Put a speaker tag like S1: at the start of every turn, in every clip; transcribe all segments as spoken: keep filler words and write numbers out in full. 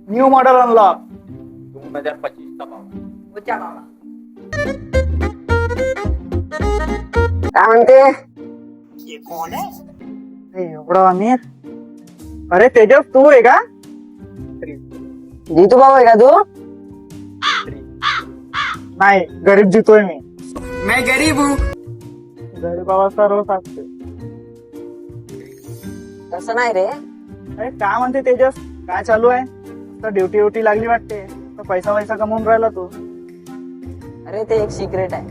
S1: New model unlock
S2: दोन हजार पच्चीस चा बाबा.
S3: उच्चा बाबा. काय म्हणते?
S1: ये कोण आहे? एवढा अमीर. अरे तेजस तू आहे का?
S3: जीतू बाबा आहे का तू?
S1: नाही, गरीब जितोय मी.
S3: मैं गरीब हूँ.
S1: गरीब बाबा सर्व सांगते.
S3: तसं नाही रे.
S1: अरे काय म्हणते तेजस, काय चालू आहे? तर ड्युटी ड्युटी लागली वाटते, तर पैसा पैसा कमवून राहिला तू.
S3: अरे ते एक सिक्रेट आहे.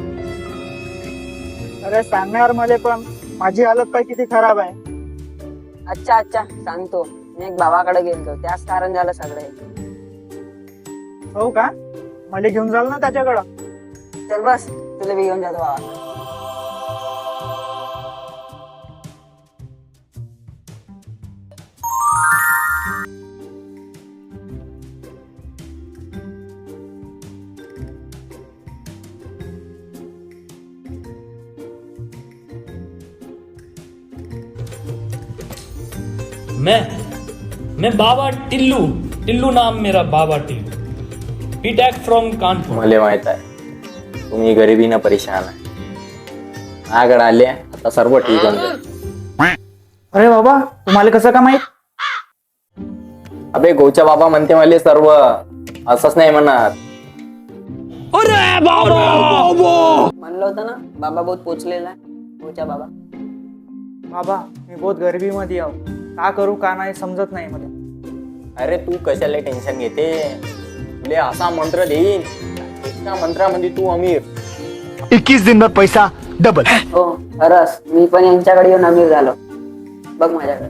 S1: अरे सांगणार मला, पण माझी हालत पाय किती खराब आहे.
S3: अच्छा अच्छा सांगतो. मी एक भावाकडे गेलतो, त्याच कारण झालं सगळं हे.
S1: हो का? मला घेऊन जाल ना त्याच्याकडं?
S3: चल बस, तुला बी घेऊन जातो बाबा.
S4: मैं मैं बाबा टिल्लू टिल्लू नाम मेरा बाबा टिल्लू ही टॅक फ्रॉम कानपूर.
S2: मला माहित आहे तुम्ही गरिबीनं परेशान आहे. आगड आले आता सर्व ठीक होऊन जाईल.
S1: अरे बाबा, तुम्हाला कसं का माहित?
S2: अबे गोच्या बाबा म्हणते मला सर्व, असंच नाही म्हणत.
S3: म्हणलं होतं ना बाबा बहुत पोचलेला आहे. उच्चा बाबा.
S1: बाबा मी बहुत गरिबी मध्ये आहो. का करू का नाही समजत नाही मला.
S2: अरे तू कशाला टेन्शन घेते? तुले असा मंत्र देईन, एका मंत्रामध्ये तू अमीर.
S5: इक्कीस दिन में पैसा डबल.
S3: हो खरंच, मी पण यांच्याकडे येऊन अमीर झालो. बघ माझ्याकडे.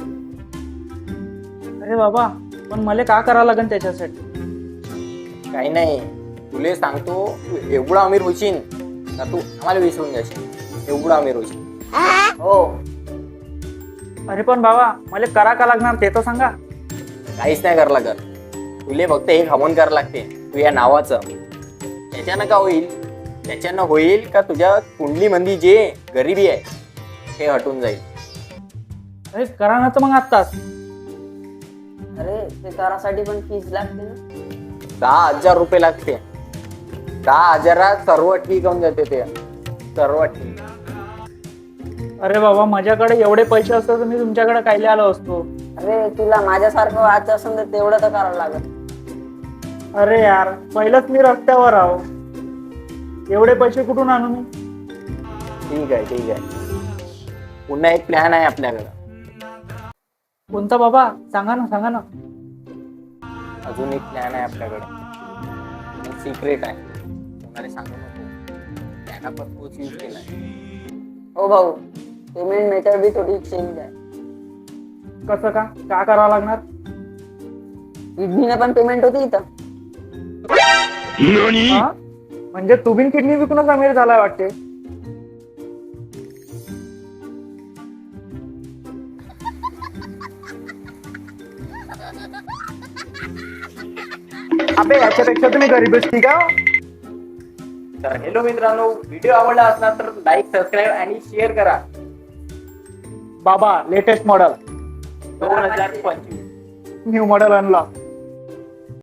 S1: अरे बाबा, पण मला का करावं लागेल त्याच्यासाठी?
S2: काही नाही, तुले सांगतो, तू एवढा अमीर होशील का तू आम्हाला विसरून जाशील. एवढा अमीर होशील.
S3: हो.
S1: अरे पण बाबा, मला करा का लागणार ते तर सांगा.
S2: काहीच नाही करावं लागत. तुले फक्त एक हवन करावं लागते तुझ्या नावाचं. त्याच्यानं का होईल? त्याच्यानं होईल का तुझ्या कुंडलीमध्ये जे गरिबी आहे ते हटून जाईल.
S1: अरे करा ना तर मग आत्ताच.
S3: अरे ते करासाठी पण फीज लागते ना.
S2: दहा हजार रुपये लागते. दहा हजारात सर्व ठीक होऊन जाते. ते सर्व ठीक.
S1: अरे बाबा, माझ्याकडे एवढे पैसे असते तर मी तुमच्याकडे कायले आलो असतो.
S3: अरे तुला माझ्यासारखं व्हायचं असेल तर तेवढं तर करावं लागेल.
S1: अरे यार, पहिलंच मी रस्त्यावर आहो. एवढे पैसे कुठून आणू मी?
S2: ठीक आहे ठीक आहे. पुन्हा एक प्लॅन आहे आपल्याकडं.
S1: कोणता बाबा? सांगा ना सांगा ना.
S2: अजून एक प्लॅन आहे आपल्याकडे. सिक्रेट आहे, कोणाला सांगू नको. त्यांना पण तोच यूज केलाय.
S3: हो भाऊ, पेमेंट मेथड बी थोडी चेंज आहे.
S1: कसं का? का करावं लागणार?
S3: किडनीने पण पेमेंट होती इथं.
S1: हा? म्हणजे तुम्ही किडनी विकूनच अमीर झालाय वाटते. अबे याच्यापेक्षा तुम्ही गरीबच ठीक आहे.
S2: तर हॅलो मित्रांनो, व्हिडिओ आवडला असणार तर लाईक, सबस्क्राईब आणि शेअर करा.
S1: बाबा लेटेस्ट मॉडेल
S2: दोन हजार पंचवीस
S1: न्यू मॉडेल अनलॉक.